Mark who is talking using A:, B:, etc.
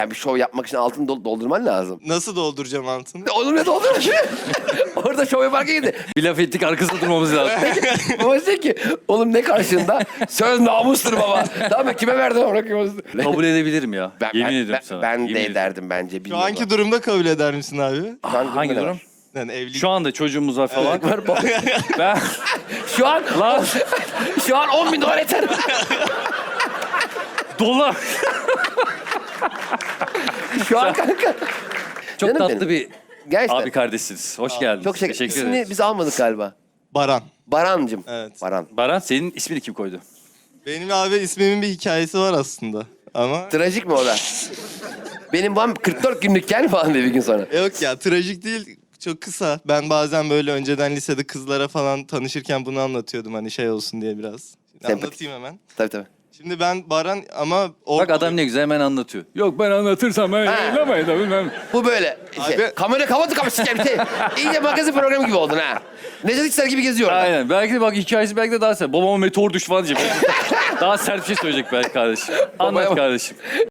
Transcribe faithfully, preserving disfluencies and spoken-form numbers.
A: Yani bir şov yapmak için altını dol- doldurman lazım.
B: Nasıl dolduracağım altını?
A: Oğlum ne doldurma şimdi? Orada şov yaparken gidi.
C: Bir laf ettik arkasında durmamız lazım.
A: Baba diyecek ki oğlum ne karşında? Söz namustur baba. Tamam mı? Kime verdin onu? Kime...
C: Kabul edebilirim ya.
A: Ben,
C: Yemin
A: ben,
C: ediyorum
A: ben,
C: sana.
A: ben
C: Yemin
A: de
C: ediyorum.
A: ederdim bence.
B: Şu
A: bilmiyorum.
B: anki durumda kabul eder misin abi?
A: Şu an
C: Hangi
A: durumda ne
C: durum?
A: var?
B: Yani evlilik.
C: Şu anda çocuğumuz var falan.
A: Var baba.
C: Ben
A: Şu an
C: lan
A: şu an on bin dolar yeter.
C: dolar.
A: Şu an kanka.
C: Çok
A: Canım
C: tatlı
A: benim.
C: bir
A: Gerçekten.
C: abi kardeşsiniz. Hoş geldiniz.
A: Çok şeker.
C: Teşekkür
A: İsmini
C: ederiz.
A: biz almadık galiba.
B: Baran.
A: Barancım.
B: Evet.
A: Baran.
C: Baran senin ismini kim koydu?
B: Benim abi ismimin bir hikayesi var aslında. Ama
A: Trajik mi o da? Benim babam kırk dört günlükken falan dedi bir gün sonra.
B: yok ya, trajik değil. Çok kısa. Ben bazen böyle önceden lisede kızlara falan tanışırken bunu anlatıyordum, hani şey olsun diye biraz. Şimdi
A: Sempatik.
B: anlatayım hemen.
A: Tabii tabii.
B: Şimdi ben Baran ama...
C: Bak adam ne güzel hemen anlatıyor. Yok ben anlatırsam ben
A: Ha.
C: yayınlamayın da bilmem.
A: Bu böyle. Şey,
B: Abi-
A: kamera kapattı kapısı şey. İyice magazin programı gibi oldun ha. Necdet İşler gibi geziyor orada.
C: Aynen. Belki de bak hikayesi belki de daha sert. Babama meteor düştü falan diyecek. Daha sert bir şey söyleyecek belki kardeşim. Anlat
A: Babaya bak.
C: kardeşim.